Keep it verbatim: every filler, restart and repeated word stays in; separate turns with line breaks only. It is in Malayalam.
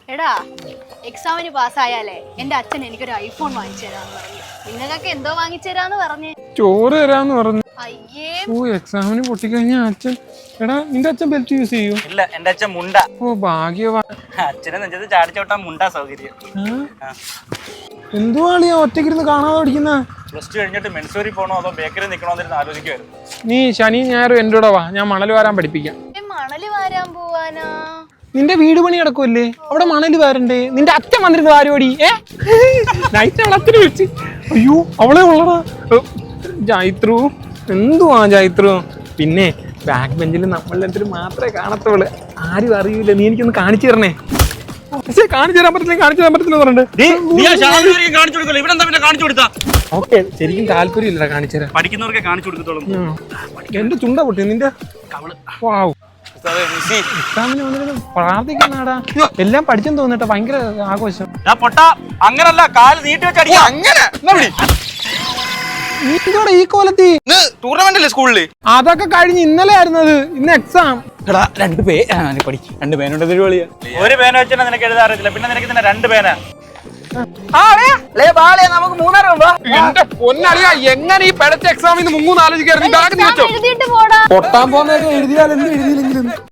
എടാ എക്സാമിന് പാസ്സായാലേ എന്റെ അച്ഛൻ എനിക്കൊരു ഐഫോൺ വാങ്ങിച്ചു തരാന്ന് പറഞ്ഞു. നിങ്ങൾക്കൊക്കെ എന്തോ വാങ്ങിച്ചു തരാന്ന് പറഞ്ഞേ?
ചോറ് തരാന്ന് പറഞ്ഞു.
അയ്യേ,
ഓ എക്സാമിന് പൊട്ടിക്കഴിഞ്ഞാ അച്ഛൻ. എടാ നിന്റെ അച്ഛൻ ബെൽറ്റ് യൂസ് ചെയ്യൂ?
ഇല്ല, എന്റെ അച്ഛൻ മുണ്ട.
ഓ ഭാഗ്യവാ.
അച്ഛനെ നെഞ്ചത്ത് ചാടിച്ചോട്ടാ മുണ്ടാ സൗകര്യം.
എന്തുവാളിയാ ഒറ്റക്കിരുന്ന് കാണാതെ പഠിക്കുന്ന?
പ്ലസ് ടു കഴിഞ്ഞിട്ട് മെൻസൂരി പോണോ അതോ ബേക്കറി നിക്കണോന്നിരുന്ന് ആലോചിക്കുമായിരുന്നു.
നീ ശനി ഞായറും എൻ്റെ കൂടെ വാ, ഞാൻ മണൽ വാരാൻ പഠിപ്പിക്കാം.
മണല് വാരാൻ പോവാനാ?
നിന്റെ വീട് പണി കിടക്കുമല്ലേ, അവിടെ മണല് വാരണ്ടേ? നിന്റെ അച്ഛൻ വന്നിരുന്നു വാരോടി. ഏ നൈറ്റ് അവളെ അച്ഛനെ വിളിച്ച്. അയ്യോ അവളെ ഉള്ളടാ ജായിത്രു. എന്തുവാ ജായിത്രു? പിന്നെ ബാക്ക് ബെഞ്ചിൽ നമ്മളെല്ലാത്തിനും മാത്രമേ കാണത്തുള്ളൂ, ആരും അറിയൂല. നീ എനിക്കൊന്ന് കാണിച്ചു തരണേ. പക്ഷേ കാണിച്ചു തരാൻ പറ്റില്ല, കാണിച്ചു തരാൻ പറ്റത്തില്ല പറഞ്ഞിട്ട്. ഓക്കെ, ശരിക്കും താല്പര്യം ഇല്ലടാ കാണിച്ചു തരാൻ.
പഠിക്കുന്നവർക്ക് കാണിച്ചു കൊടുക്കത്തോളും.
എന്റെ ചുണ്ട പൊട്ടി നിന്റെ. എക്സാമിന് വന്നിട്ട് പ്രാർത്ഥിക്കുന്നാടാ. എല്ലാം പഠിച്ചെന്ന് തോന്നിട്ട് ഭയങ്കര ആഘോഷം.
അങ്ങനല്ല, കാല് നീട്ടി വെച്ചടിയാ. അങ്ങനെ
നീന്തോടെ ഈ കോലത്തി
ടൂർണമെന്റ് സ്കൂളില്
അതൊക്കെ കഴിഞ്ഞ് ഇന്നലെ ആയിരുന്നത്, ഇന്ന് എക്സാം.
രണ്ട് പേ പഠിക്കും രണ്ട് പേനുണ്ട്.
ഒരു പേന വെച്ചാൽ നിനക്ക് എഴുതാൻ അറിയത്തില്ല, പിന്നെ നിനക്ക് തന്നെ രണ്ട് പേന.
നമുക്ക് മൂന്നാറ് പോകുമ്പോ
എന്റെ പൊന്നറിയാ, എങ്ങനെ ഈ പിടച്ച എക്സാമിൽ നിന്ന് മുങ്ങൂന്ന് ആലോചിക്കായിരുന്നു.
എഴുതിയിട്ട് പോടാ.
പൊട്ടാൻ പോകുന്നതൊക്കെ എഴുതിയാൽ എന്ത് എഴുതിയില്ലെങ്കിലും